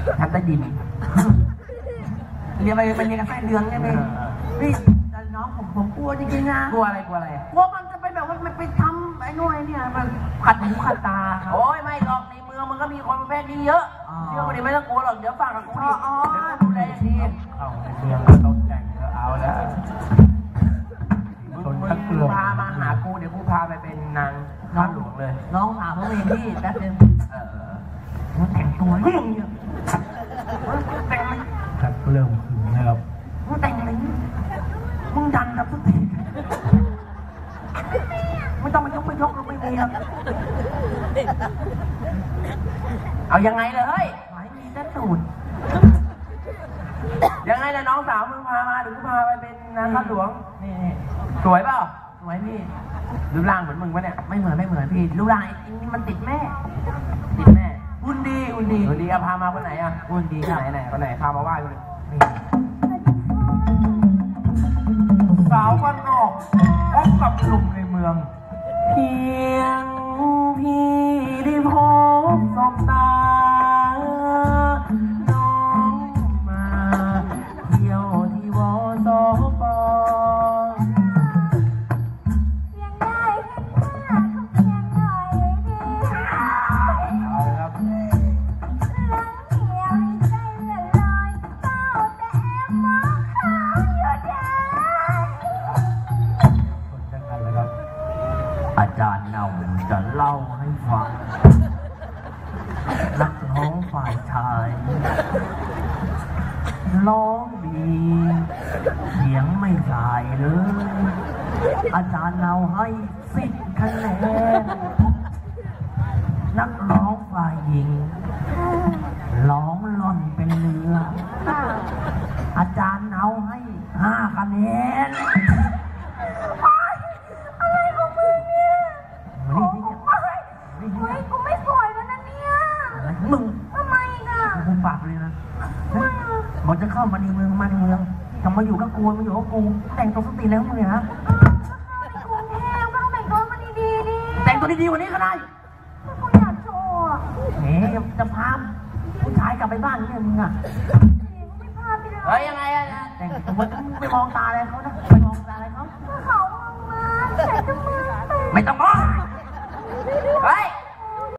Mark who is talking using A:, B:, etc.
A: ทำใต้ดินเรียนไปเรียนกับไส้เดือนใช่ไหมพี่แต่น้องผมกลัวจริงๆนะกลัวอะไรกลัวมันจะไปแบบว่ามันไปทำไอ้นู่นไอ้นี่มันขัดหูขัดตาโอ้ยไม่หรอกในเมืองมันก็มีคนประเภทนี้เยอะเชื่อวันนี้ไม่ต้องกลัวหรอกเดี๋ยวฝากกับกูดิดูแลทีเอาในเมืองเราแต่งเอาแล้วมึงพามาหากูเดี๋ยวกูพาไปเป็นนางข้าหลวงเลยน้องถามเขาเองพี่แป๊บนึงมันแต่งตัวยิ่งเนี่ยแต่งมันครับเริ่มถึงนะครับมึงแต่งอะไรมึงดันครับทุกทีไม่ต้องมายกเราไม่มีครับเอายังไงเลยไม่มีแต่ตูดยังไงนะน้องสาวมึงพามาหรือกูพาไปเป็นนางข้าหลวงนี่สวยเปล่าสวยพี่รูปร่างเหมือนมึงปะเนี่ยไม่เหมือนพี่รูปร่างไอ้นี่มันติดแม่อุ่นดีเอาพามาคนไหนอ่ะอุ่นดีไหนคนไหนพามาไหว้คนนี้สาวบ้านนอกพบกับหนุ่มในเมืองเพียงพี่ได้พบสบตาน้องมาเที่ยวที่วสปอาจารย์เนาจะเล่าให้ฟังนักร้องฝ่ายชายร้องดีเสียงไม่สายเลยอาจารย์เนาให้10 คะแนนนักร้องฝ่ายหญิงร้องล่อนเป็นเรืออาจารย์เนาให้5 คะแนนกูไม่สวยแล้วนะเนี่ยมึงทำไมอ่ะกูปากเลยนะบอกจะเข้ามาในเมืองจะมาอยู่กับกูมาอยู่กับกูแต่งตัวสติแล้วมึงเนี่ยฮะกูแห้งก็ต้องแต่งตัวมาดีๆดิแต่งตัวดีๆวันนี้ก็ได้กูอยากโชว์จะพาผู้ชายกลับไปบ้านเนี่ยมึงอ่ะไม่พาไปเลยเฮ้ยยังไงอ่ะแต่งตัวไปมองตาอะไรเขานะไปมองตาอะไรเขามองมาแต่จะมือไม่ต้องมองเฮ้ย